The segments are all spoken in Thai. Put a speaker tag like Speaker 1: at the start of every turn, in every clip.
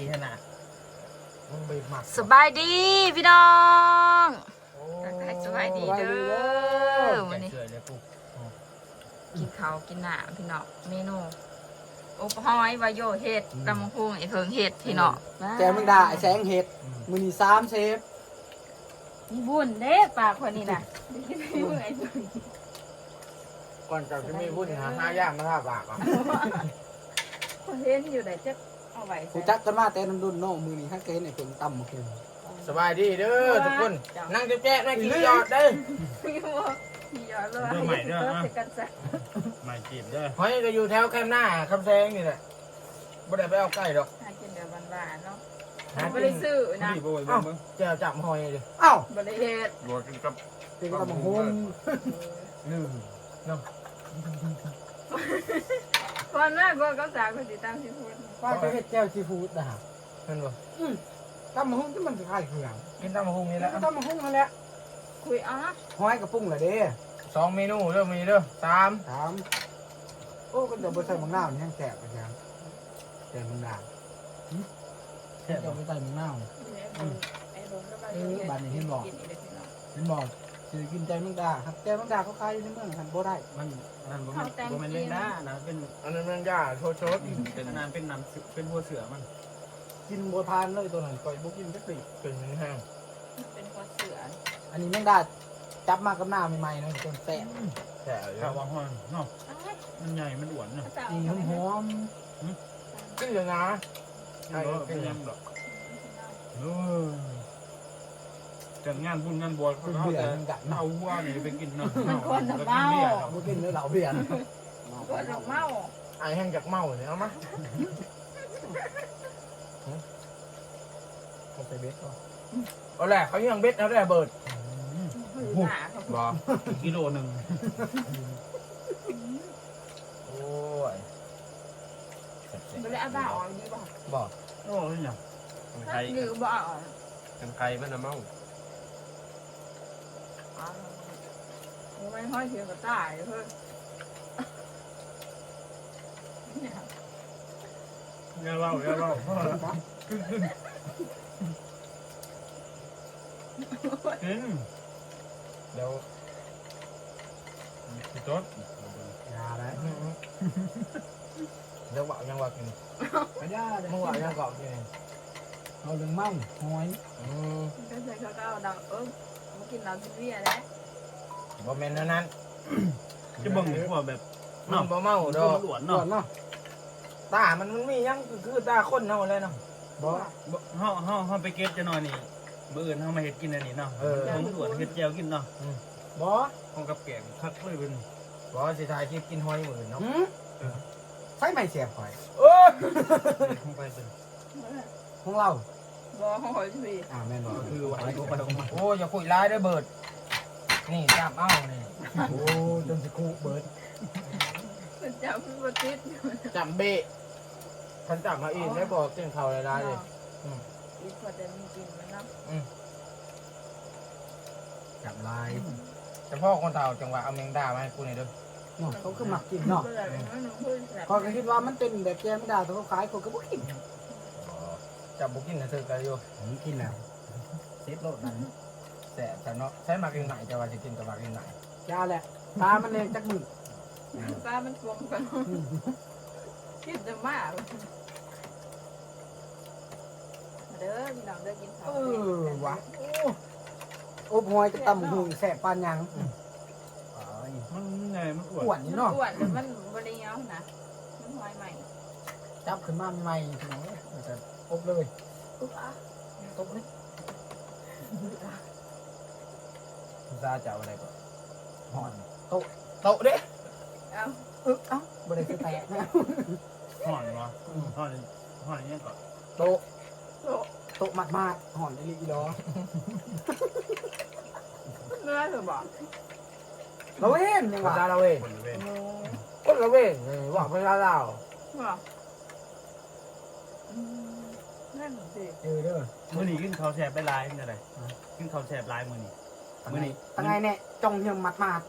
Speaker 1: ขนาดมึงไปหมัก
Speaker 2: สบายดีพี่น้องสบายดีเด้อวันนี้กินข้าวกินหน้าพี่น้องเมนูโอ้ปหอยวายโยเห็ดตำมะพุงไอ้เพิงเห็ดพี่น้อง
Speaker 3: แกมึงด่าไอ้แสงเห็ดมือนี่3 เซฟ
Speaker 2: มีบุญเด้ปากคนนี้น่ะกินไม่เมื่อย
Speaker 1: ก่อนจะมีวุ่นหาย่างมาท่าปากอ่ะ
Speaker 2: คนเห็นอยู่ไหนจะเอาไว้
Speaker 3: กูจักกันมาแต่น้ำดุนโน่มือนี่ให้เกณฑ์ไอ้เพิ่งต่ำมาคืน
Speaker 1: สบายดีเด้อทุกคนนั่งแจ๊ะนั่งกินยอดเด้อ
Speaker 2: พี่บอกพี่ยอดเลยใหม่เด้อกันซะ
Speaker 4: ใหม่จีบเด้อ
Speaker 1: หอยก็อยู่แถวแคมป์หน้าคำแซงนี่แหละบ่ได้ไปเอาใกล้ดอก
Speaker 2: หากินเดี๋ยวหวานๆเนาะไม่ได้ซื้อนะ
Speaker 4: พี่บ่อย
Speaker 1: เอ้า
Speaker 4: เบิ่ง
Speaker 1: แจวจับหอยเลย
Speaker 3: อ้าว
Speaker 2: บริเฮ็ด
Speaker 4: บ่กินกับ
Speaker 3: เป็นตำบักฮง
Speaker 2: ก่อนหน้าก็เขาสาวคนติดตามที่พูด
Speaker 3: ว่าจะเห็ดแก้วซีฟู้ดนะฮะ
Speaker 1: เห็นบ่
Speaker 3: ตำบักฮงที่มันคล้ายๆเครื่อง
Speaker 1: กินตำมะฮุงนี่แหละ
Speaker 3: ตำบักฮงนั่นแหละ
Speaker 2: คุยอ๋อ
Speaker 3: ห้อยกระปุ้งเลยเด้
Speaker 1: 2 เมนูเด้อมีเด้อ3
Speaker 3: ถามโอ้ก็จะบ่ใส่มังนาวนี่ยังแสบไปยังแต่มังนาวแสบจะบ่ใส่มังนาวเห็นบอกคือกินใจมังดาครับใจมังดาเขาขายอยู่ในเมืองหันบ่ได้
Speaker 4: มันนั่นบ่แม่นเล่นนะนะเป็น
Speaker 1: อันนั้นมันย่าโชด
Speaker 4: เป็นนานเป็นน้ำเป็นหัวเสือมัน
Speaker 3: กินบ่ทานเลยตัวนั้นก่อยบ่กินจักปี
Speaker 1: เป็นแห้ง
Speaker 2: เป็นคนเสือ
Speaker 3: อันนี้แมงดาจับมากับหน้าใหม่ๆนะจนแสบ
Speaker 1: แซ่บ
Speaker 4: ข้าววางห้อนเนาะมันใหญ่มันอ้วนเนาะ
Speaker 3: อีหอม
Speaker 1: กินเลยนะ
Speaker 4: เป็นยังดอกจัดงานบุญงานบวชเขาแต่เอาว่านี่ไปกินเนาะ
Speaker 3: ๆบ่กินเลยเหล้าเบียร์
Speaker 2: คนดอกเมา
Speaker 1: ไอแห้งจากเมาเนี่ยเอามา
Speaker 3: เขาใส่เบ็ดก็
Speaker 1: เอาแหละเขายังเบ็ดเอาแหละเบิด
Speaker 2: หนาเขา
Speaker 1: บ่
Speaker 4: กิโลนึง
Speaker 1: โอ้ย
Speaker 2: ไม่ได้เอาบ้าออกดีบ่
Speaker 1: บ่
Speaker 4: โอ้ยเนี่ย
Speaker 2: ถ้าดื้อบ่ออก
Speaker 4: กันไกมันน่ะเมา
Speaker 2: ไม่ค่อยเสียก็ตายเพิ่น
Speaker 4: อย่าเล่าอย่าเล่ากิน
Speaker 1: เดี๋ยว
Speaker 4: สิจด
Speaker 3: ยาแล้ว
Speaker 1: เดี๋ยวบอกยังว่ากิน
Speaker 3: ยาเลย
Speaker 1: เมื่อวานยังเกาะกิน
Speaker 3: เอาเรื่องเมาหอย
Speaker 2: ก็ใส่เขาก็เอาดอกมากินเราที่เบี้ยแล้ว
Speaker 1: บ่แม่นนั้น
Speaker 4: จะเบิ่งพวกแบบ
Speaker 1: มันบ่เมาดอก
Speaker 4: หลวน
Speaker 3: ก่อ
Speaker 4: เนาะ
Speaker 3: นเนาะ
Speaker 1: ตามันมียังคือตาคนเฮาเลยเนาะ
Speaker 3: บ่
Speaker 4: เฮาไปเก็บจะหน่อยนี่มื้ออื่นเฮามาเฮ็ดกินอันนี้เนาะผมหลวนเฮ็ดแจ่วกินเนาะ
Speaker 3: บ่
Speaker 4: ของกับแกงคักเลยเป็น
Speaker 1: บ่สิถ่ายคลิปกินหอยมื้อเนาะ
Speaker 3: ใส่ไม่เสียบหอย
Speaker 1: โอ้ย
Speaker 4: ของไปเป็น
Speaker 3: ของเรา
Speaker 2: บ่หอยพี่
Speaker 3: แม่นบ่
Speaker 4: คือว่าไปของมา
Speaker 1: โอ้ยอย่าคุยร้ายเด้อเบิดนี่จับเอานี่
Speaker 3: โอ้จนสิคุเบิด
Speaker 2: เป็นเจ้าพี่บ่ติด
Speaker 1: จับเบะฉันจับมาอีกได้บอกกินข้าวหลายๆเลย
Speaker 2: อีกพอจะมีกินมันเนาะ
Speaker 3: จับลาย
Speaker 1: เฉพาะคนเฒ่าจังหวะเอาแมงดามาให้กูหน่อยเด้อ
Speaker 3: เนาะเขาคือมักกินเนาะ
Speaker 2: เบื่อเลยน้อยหนูพูดแบบ
Speaker 3: ก็คิดว่ามันเป็นแบบแกงดาแต่เขาขายคนก็บ่กิน
Speaker 1: จับบุกินนะเธอกันอยู่
Speaker 3: ผมกินแล้วเซฟโลดนั้น
Speaker 1: แสบแต่เนาะใช้มากินไหนจะว่าจะกินกับมากินไหน
Speaker 3: ยาแหละตามันแรงจักมือ
Speaker 2: ป้ามันกลมกันคิดจะมากเด้อพี่น้องเด้อกินข้าว
Speaker 3: วะอบหอยจะตำหุงแสบปานยัง
Speaker 4: มันไงมันอ้ว
Speaker 3: อ้วน นนี่เนาะ
Speaker 2: อ้วนหรือมันบริเงานะมันหอยใหม่
Speaker 3: จับขึ้นมาใหม่ๆเนาะแต่อบเลย
Speaker 2: อุ๊บอ่ะ
Speaker 3: ตบเลย
Speaker 1: คุณซาจะเอาอะไรก่อน
Speaker 3: หอน
Speaker 1: โต๊ะเด้
Speaker 2: เอา
Speaker 3: เอ้าบ่ได้คือแตกนะ
Speaker 4: ห่อนวะห่อนยังก่อน
Speaker 3: โต๊ะ
Speaker 2: โต๊ะ
Speaker 3: โต๊ะมากๆหอนได้ลีดอ
Speaker 2: เนื้อหรือเปล่า
Speaker 3: เราเห็นยัง
Speaker 1: ภา
Speaker 3: ว่า
Speaker 1: ษาละเวน
Speaker 4: คนเว้น
Speaker 1: คนละเวนว่าภาษาลาว
Speaker 2: ว่านั่นสิ
Speaker 3: เด้อ
Speaker 4: มื้อนี้กินข้าวแซ่บไปหลายเป็นอะไรกินข้าวแซ่บหลายมื้อนี้มื้อนี้
Speaker 3: ตั้งไงเนี่ยจองเฮียมมัดมาด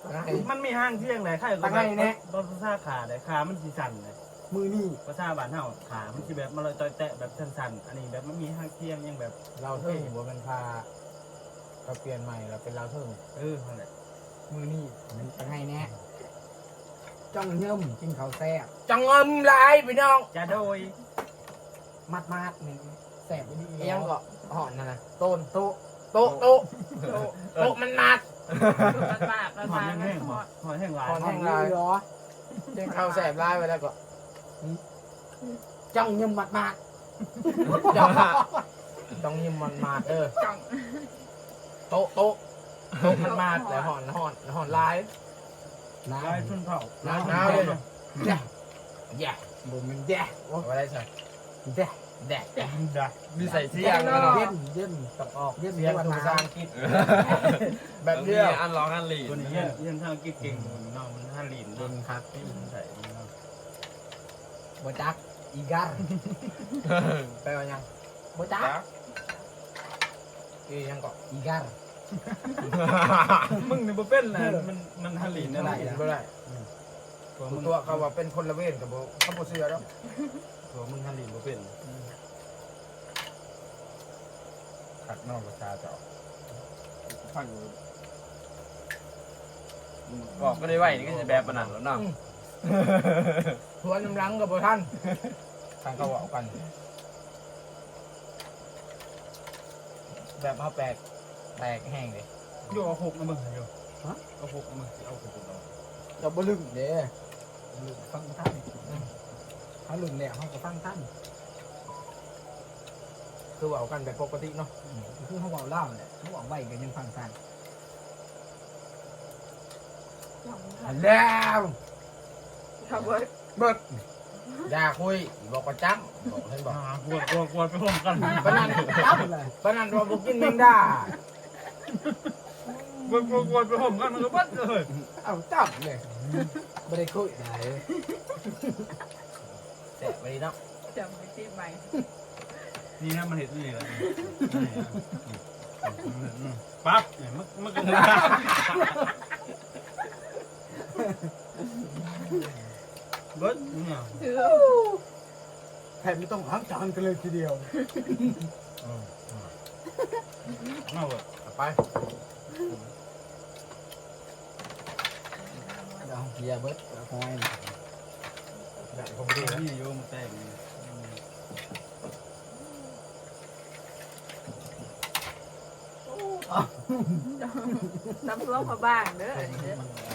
Speaker 4: มันมีห้างเที่ยงเลยใครก็แบบรถซ่าขาเลยขามันสีสั่นเลย
Speaker 3: มือนี่
Speaker 4: ภาษาบ้านเฮาขามันสิแบบมาลอยต่อยแตะแบบสั่นๆอันนี้แบบมันมีห้างเที่ยงยังแบบ
Speaker 1: เราเทิงหัวมันพาเราเปลี่ยนใหม่เราเป็นเราเทิง
Speaker 4: นั่นแหละ
Speaker 3: มือนี่มันจะให้แน่จ้องเยิ่มกินข้าวแซ่บ
Speaker 1: จังเงิมลายพี่น้อง
Speaker 4: จะโดย
Speaker 3: มัดนี่แซ่บไปดี
Speaker 1: เอียงก็ห่อนนั่นนะโต๊ะโต๊ะโต๊ะโต๊ะโต๊ะมันมัด
Speaker 2: มันมากมัน
Speaker 4: หอ
Speaker 2: มาม ก
Speaker 4: แห้งๆหอมแห้งหลาย
Speaker 1: หอม
Speaker 3: แห้งลายเหรอ
Speaker 1: เจ้าข้าวแสบลายไปแล้วก็
Speaker 3: จ้องเยิ่มมัด
Speaker 1: ต้องยิ้มมันมาด
Speaker 2: จ้อง
Speaker 1: โต๊ะโต๊ะโต๊ะมันมาดแล้วห่อนลาย
Speaker 3: น้
Speaker 4: ลายชุนเผา
Speaker 1: น้าวเลย
Speaker 3: ำแย่
Speaker 1: แย่
Speaker 3: บ่มันแย่
Speaker 1: เอาไว้ได้ใช่
Speaker 3: แย่
Speaker 1: แดด
Speaker 4: ได้
Speaker 1: มีใส่เสียง
Speaker 3: เย็นเย็น
Speaker 1: ต้องออก
Speaker 3: เย็น
Speaker 1: เสียง
Speaker 3: วัน
Speaker 1: ภาษา
Speaker 3: น้
Speaker 1: อังกฤษแบบเดียว
Speaker 5: อันร้องอันหลี
Speaker 4: ตัวนี้ยังทางกิ๊กเก่งน้องมันท่าลีน
Speaker 1: เย็นครับ
Speaker 4: ที่มันใส่
Speaker 3: ำบ่จักอีกา
Speaker 1: ไปว่ายัง
Speaker 3: บ่จัก
Speaker 1: อียังก็
Speaker 3: อีกา
Speaker 4: มึงนี่บ่เป็นนะมันท่าลีนได้
Speaker 1: ไม่ได้ตัวเขาว่าเป็นคนละเว้นกับเขาบ่เชื่อแล้ว
Speaker 4: ตัวมึงท่าลีนบ่เป็น
Speaker 1: ขัดนอกภาษาเจ้า
Speaker 5: ฟังบอกก็ได้ไหวนี่ก็จะแบบปนันแล้วเนาะ
Speaker 1: ทวนน้ำลังกับท่านทางเขาบอกกัน แบบเขาแตกแห้งเลย
Speaker 4: โยเอาหกนะมึงโยเอาหกนะมึงเอาหกเอา
Speaker 3: เราบ่ลึงเด้ลึงฟังท่านเขาลึงแล้วเขาก็ฟังท่าน
Speaker 1: คือว่ากันแบบปกติเนาะ
Speaker 3: คือเขาบอกเล่าแหละเขาบอกไว้ก็ยังฟังท่าน
Speaker 2: จ้อง
Speaker 1: แล้ว
Speaker 2: เขาเบิด
Speaker 1: เบิดอย่าคุยบอกประจำบอกให้บอก
Speaker 4: กลัวไปพร้อมกัน
Speaker 1: ปนัน
Speaker 3: จับเลย
Speaker 1: ปนันว่าบุกินแมงดาก
Speaker 4: ลัวไปพร้อมกันมันก็บัดเลย
Speaker 3: เอาจับเลยไม่ได้คุยไหน
Speaker 1: แต่ไปดีเนาะ
Speaker 2: จำไปที่ใหม่
Speaker 4: นี่นะมันเห็นนี่แหละปั๊บเนี่ยมันก็เบิดเนี่ย
Speaker 2: ถือ
Speaker 3: แผ่นไม่ต้องล้างจานกันเลยทีเดียว
Speaker 4: เอาเว้ย
Speaker 1: ไป
Speaker 3: เดี๋ยวเฮียเบิร์ดคอย
Speaker 1: ได้ผมดีแล้ว
Speaker 4: นี่โยมแตก
Speaker 2: น้ำท่วมเขาบ้างเด้ออันนี้เด้อ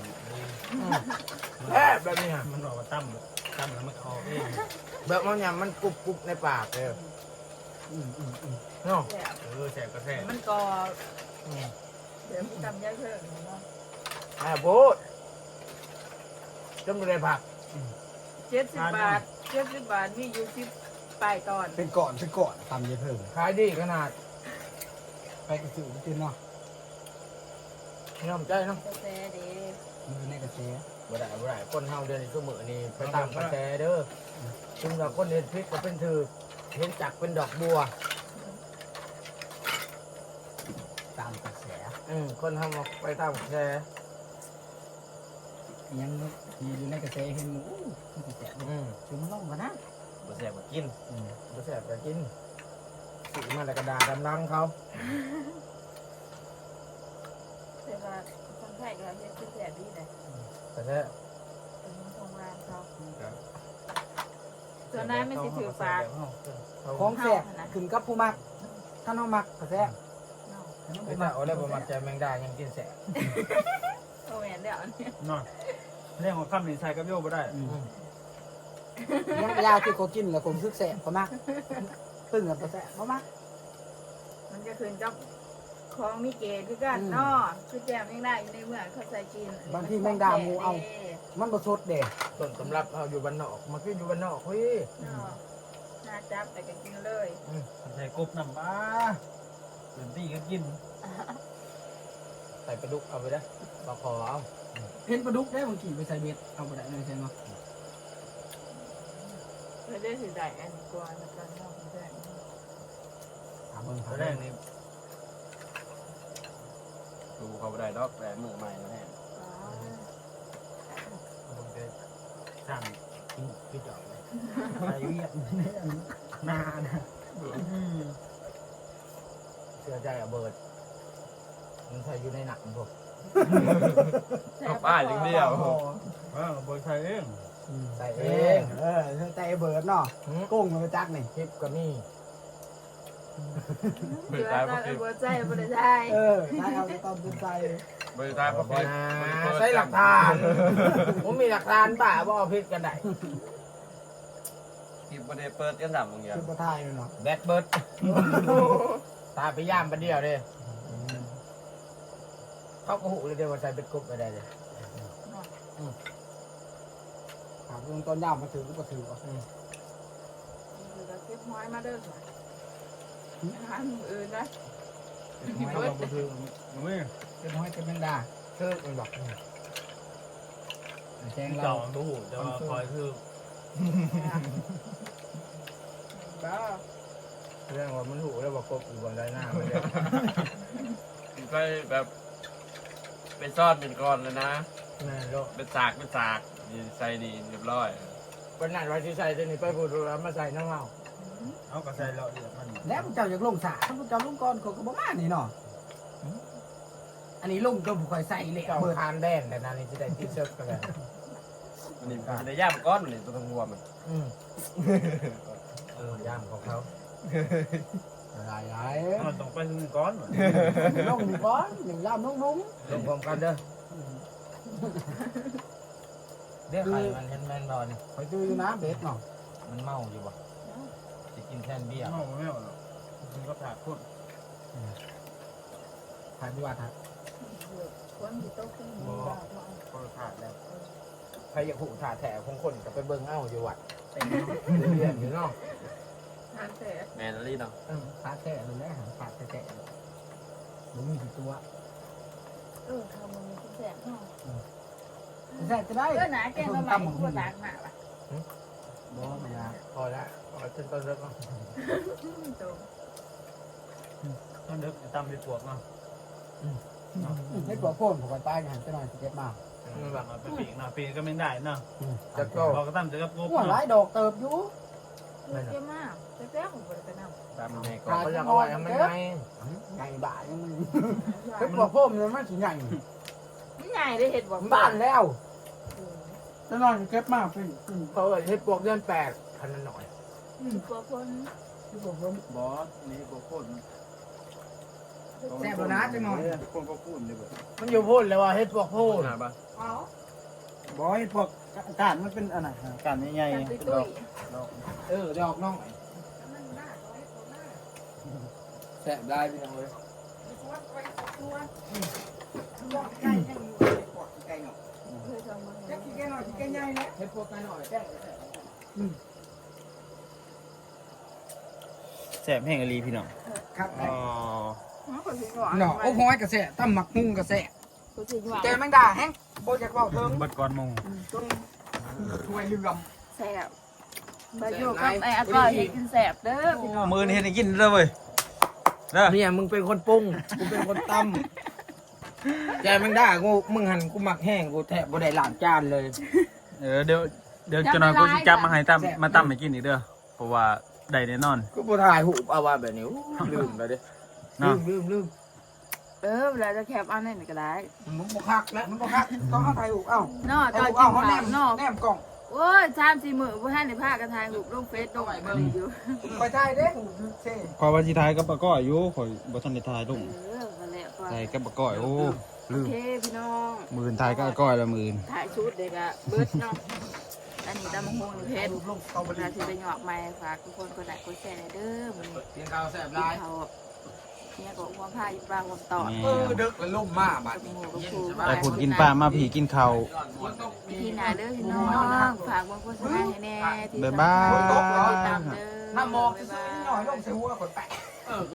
Speaker 1: แบบนี้ฮะ
Speaker 4: มันบอกว่าตั้มแล้วมันคอเอง
Speaker 1: แบบมันเนี่ยมันกรุบกรุบในปากเลยเนาะ
Speaker 2: แซ่บ
Speaker 4: แสบก็แสบ
Speaker 2: มันก็เดี๋ยวจำยากเพิ่มเนาะ
Speaker 1: พูดจำเลยผัก
Speaker 2: 70 บาท70 บาทมีอยู่10ปลายตอน
Speaker 3: เป็นก่อนทำเยอะเพิ่ม
Speaker 1: ขายดีขนาด
Speaker 3: ไปกระสือกินเนาะ
Speaker 1: ยอมใจเนาะ
Speaker 2: กาแฟเด้
Speaker 3: มือในกระเซ
Speaker 1: บ่ได้คนเฮาเดือนนี้ก็มือนี่ไปตามกระแสเด้อจึงเราคนเห็นพริกก็เป็นถือเห็นจักเป็นดอกบัว
Speaker 3: ตามกระแส
Speaker 1: คนเฮาไปตามกระแส
Speaker 3: ยังอยู่ในกระแสเห็นหมูมันกระแสคือมันล่องกันนะ
Speaker 5: บ่แสบบ่กิน
Speaker 1: บ่แซ่บก็กินสิมาแล้วก็ด่าดำลังเขา
Speaker 2: แต่ว่าคนไทยก็เฮ็ดคือแซ่บดีเลย
Speaker 1: กระแส
Speaker 2: เป็นของร้านเขาส่วนนั้นไม่สิถือฝาก
Speaker 3: ของแสบขึ้นกับผู้มักถ้าน้องมักกระแส
Speaker 2: เนาะ
Speaker 1: ไม่ได้เอาแล้วบ่มักใจแมงดายังกินแซ่บ
Speaker 2: โอ้แม่นเดี๋ยวนี้
Speaker 4: นอนเรื่องของคำนี้ใส่กับโยไม่ได้
Speaker 3: ยังยาที่เขากินแล้วผมซึกแสบเขามักตึงกับกระแสเขามัก
Speaker 2: มันจะขึ้นกับของมีเกณฑ์คือกันเนาะคือแจ่มยังได้อยู่ในเมืองเขาใส่กิน
Speaker 3: บางทีแมงดาหมูเอามันประสดเด็
Speaker 1: ต้นสำรับเอาอยู่บ้านนอกมากินอยู่บ้านนอกเฮ้ย
Speaker 2: เนาะน่าจับแต่ก็กินเลย
Speaker 4: ใส่กบน้ำปลาเต็มที่ก็กิน
Speaker 1: ใส่ปลาดุกเอาไปได้ปลาคอเอา
Speaker 3: เห็นปลาดุกได้บางทีไปใส่เบ็ดเอาไปได้เลยใช่ไหม
Speaker 2: เพื่อได้สิได้อันกว่าแล้วก็นอกได้
Speaker 3: ถามเบิ่ง
Speaker 4: ตัวแรกนี่
Speaker 5: ดูเขาบ่ได้ดอกแต่มือใหม่แล้วแน่
Speaker 2: อ๋อ
Speaker 4: ก็สั่ง
Speaker 1: พี่จอกเลย
Speaker 3: ไปเวียดนานะ
Speaker 1: เชื่อใจอะเบิร์ดมันใส่อยู่ในหนังพวก
Speaker 5: กับป้าอย่างเดียว
Speaker 4: บริษัทเอง
Speaker 1: ใส่
Speaker 3: เอ
Speaker 1: เอง
Speaker 3: ใจเบิร์ดเนาะกุ้งมันไปจักนี่
Speaker 1: คลิปก็มี
Speaker 5: บริ
Speaker 2: เดือ
Speaker 5: ษัท
Speaker 2: ด
Speaker 5: พวก
Speaker 2: หัวใจบ่ได้ใจ
Speaker 3: ใช่เอาตอนเป็นใจ
Speaker 5: บริษัทพวก
Speaker 1: บ่นะใส่หลักฐานผมมีหลักฐานป่าบ่เอาพิษกันได้
Speaker 5: ที่ประเดี๋ยวเปิดกันดับมึงอย่าง
Speaker 3: คือประทายเนาะ
Speaker 1: แบดเบิร์ดตาไปย่ามประเดียวเลยเขาก็หูเลยเดียวว่าใส่เป็นกรุ๊ปไปได้เลย
Speaker 3: หากตอนย่ามมาถือก็ถือ
Speaker 2: เก็บหอยมาเด้อหาอื่นนะ
Speaker 4: เขาบอกคือไม่
Speaker 3: เป็นห้อยเป็นแมงดา
Speaker 1: คือมันบอก
Speaker 3: แจ้ง
Speaker 4: เจ้า
Speaker 3: เรา
Speaker 4: ตู้แต่ว่าคอยคือ
Speaker 2: บ้า
Speaker 1: เรื่องว่ามันหูแล้วว่ากรุ๊ปอยู่บนไรหน้ามันเลย
Speaker 5: ไปแบบเป็นซ่อนเป็นก้อนเลยนะ
Speaker 1: แม่โล
Speaker 5: เป็นสากนี่ใส่นี่เรียบร้อย
Speaker 1: วันนั้นวันที่ใส่ตัวนี้ไปพูดแล้วมาใส่น้ำเมา
Speaker 4: เอากระใส่เราเดือดมัน
Speaker 3: แล้วเจ้าอยากลงสาถ้าเจ้าลงก่อนเขาก็บ่มานี่เนาะอันนี้ลงตัวผู้คอยใส่เลย
Speaker 1: เจ้า
Speaker 3: เบิร์ด
Speaker 1: คานแดนแต่นานี่จะได้ที่เชิดกันเลย
Speaker 5: มันนี่มันจะได้ย่ามก้อนมันนี่ตัวทั้งหัวมัน
Speaker 1: ย่ามของเขา
Speaker 3: หลาย
Speaker 4: มันต้องไปถึงก้อน
Speaker 3: ลงก่อนหนึ่งย่ามนุ่ม
Speaker 1: ลงพร้อมกันเด้อเดี๋ยวไข่มันเห็นแมนบอล
Speaker 3: ๆคอยดูอยู่นะเบ็ดเนาะ
Speaker 1: มันเมาอยู่บ่จะกินแทนเบี้ย
Speaker 4: ไม่เอาหรอกมันก็ผ่าพุ่น
Speaker 3: ถ่ายดีว่าถ่าย
Speaker 2: คนที่โตขึ้น
Speaker 4: พอผ่าแล้ว
Speaker 1: ใครอยากหูถ่าแถวของคนก็ไปเบิ่งเอ้าอยู่วัดเต็มเรียนอยู่เนาะ
Speaker 2: ทานแต่
Speaker 5: แมนลี่เนาะ
Speaker 3: ขาแตะเลยแหละขาแตะมันมีกี่ตัว
Speaker 2: ทำมันมีแสบเนาะ
Speaker 3: แตะจะได้
Speaker 2: หนาแกงละใหม่หัวตากหนาป่ะ
Speaker 3: บ่ไม่ยาก
Speaker 1: พอแล้วพอจนต้นเลิกเนาะ
Speaker 4: ต้องเด็กตำไปปวกเนาะ
Speaker 3: ให้ปลอกโค่นผมก็ตายหันไปหน่อยเจ็บมาก
Speaker 1: มันแบบ
Speaker 4: มาไปปีกเนาะปีกก็ไม่ได้เนาะ
Speaker 1: จะโต
Speaker 4: เราก็ตั้มจะกับกบ
Speaker 3: หัวหลายดอกเติบอยู่
Speaker 2: เยอะมากแซ่บผมบ่ได้ไปนำ
Speaker 5: ตามในก้อ
Speaker 1: เขา
Speaker 5: น
Speaker 1: อยากเอาไว้ให้มันไง
Speaker 3: ใหญ่บ้ายังมันให้ปลอกโค่นมันไม่ถึงใหญ่
Speaker 2: นี่ใหญ่ได้เห็ดบ่
Speaker 3: บ้านแล้วจะนอนเก็บมากพี่
Speaker 1: เขาเฮ็ดพวกเดือน8พันหน่อย
Speaker 2: ตัวคน
Speaker 3: ที่ผม
Speaker 4: บอสนี่โคตร
Speaker 3: แซ่บนะจังหน่อย
Speaker 4: คนก็พูดเลยแบบ
Speaker 1: มันอยู่พูดเลยว่าเฮ็ดพวกพูด
Speaker 5: หนาปะ
Speaker 2: เอา
Speaker 3: บอยพวกการมันเป็นอะไร
Speaker 4: การใหญ่
Speaker 2: ตุ้ยตุ้ย
Speaker 3: ดอกน้องแซ่บได้พี่น้องเลยใกล้ยังอยู่ใกล้เนาะ
Speaker 2: เคยทำมา
Speaker 3: แค่ขี้แก่หน่อยขี้แก่ใหญ่แล้วเฮ็ดพวกกันหน่อยแซ่
Speaker 4: แสบแห้งอลีพี่น้อง
Speaker 3: ครับ
Speaker 4: อ๋อ
Speaker 2: คนสิหวาน
Speaker 3: เนาะโอ้ห้อยกระแสตั้มหมักมุ้งกระแส
Speaker 2: คนสิหวาน
Speaker 3: เจอแมงดาแห้งโบอยากเว้าเถิง
Speaker 4: บัดก่อนมง
Speaker 3: ถ้วยเรือม
Speaker 2: แซ่บไปอยู่กับไอ้อาก้อยเฮ็ดกินแซ่บเด้อพี่น้อง
Speaker 4: มือนี่เห็นกินเลยเว้ยเด้อ
Speaker 1: เนี่ยมึงเป็นคนปรุงกูเป็นคนตำใจมึงได้กูมึงหันกูหมักแห้งกูแทบบ่ได้ล้างจานเลย
Speaker 4: เดี๋ยวจะนอนกูสิจับมาให้ตั้มมาตั้มให้กินอีกเด้อเพราะว่าได้แน่นอน
Speaker 1: กูบ่ถ่ายหูปเอาว่าแบบนี้ลืมไปเด้
Speaker 4: เนาะ
Speaker 1: ลืม
Speaker 2: เวลาจะแคปอันนี้ก็ได้
Speaker 3: มันบ่คักแล้วมันบ่คักต้องเอาไทยอุกเอ้า
Speaker 2: เนาะ
Speaker 3: ไท
Speaker 2: ต
Speaker 3: ย
Speaker 2: อน
Speaker 3: อุก
Speaker 2: กิ
Speaker 3: เอ้าน เขา
Speaker 2: ข้า
Speaker 3: แน
Speaker 2: ว
Speaker 3: ม
Speaker 2: เนาะ
Speaker 3: แนมกล่อง
Speaker 2: โอ้ย3-4 มื้อบ่ทันได้พากันถ่ายรูปลงเฟซลงไอ้เบิ่งอยู่
Speaker 3: ไปไทยเด้เซ่
Speaker 4: ขอว่าสิทายกับปะก้อยอยู่ข่อยบ่ทันได้ทายลง
Speaker 2: มาแล้วก็
Speaker 4: ทายกับปะก้อยโอ้
Speaker 2: โอเคพี่น้อง
Speaker 4: มื่นทายกับก้อยละมื่น
Speaker 2: ถ่ายชุดเด็กอะเบิดเนาะอันนี้ตำบักหุ่งเพชร
Speaker 3: ลงเอาไป
Speaker 2: เวลาที่ไปหยอกไม้ฝากทุกคนกดไลค์กดแชร์เด้อมันนี้
Speaker 1: กินข้าวแซ่บ
Speaker 2: กิ
Speaker 1: หลาย
Speaker 2: นเขาเนี่ยก็ความผ้าอีปลาความตอด
Speaker 3: ดึกแล้วล่มมาบัด
Speaker 2: กับหมูกับครู
Speaker 4: แต่ผุดกินปลามาผีกินข้าว
Speaker 2: พี่นาเด้อพี่น้องฝากบางโฆษณาให้แน่ที่
Speaker 4: บ๊ายบาย
Speaker 2: ติดตามเด้อ
Speaker 3: น้ำมอง
Speaker 2: บ๊าย
Speaker 3: ซื้
Speaker 2: บา
Speaker 3: อหน่อยล
Speaker 2: ย
Speaker 3: งใส่หัวคนแปะ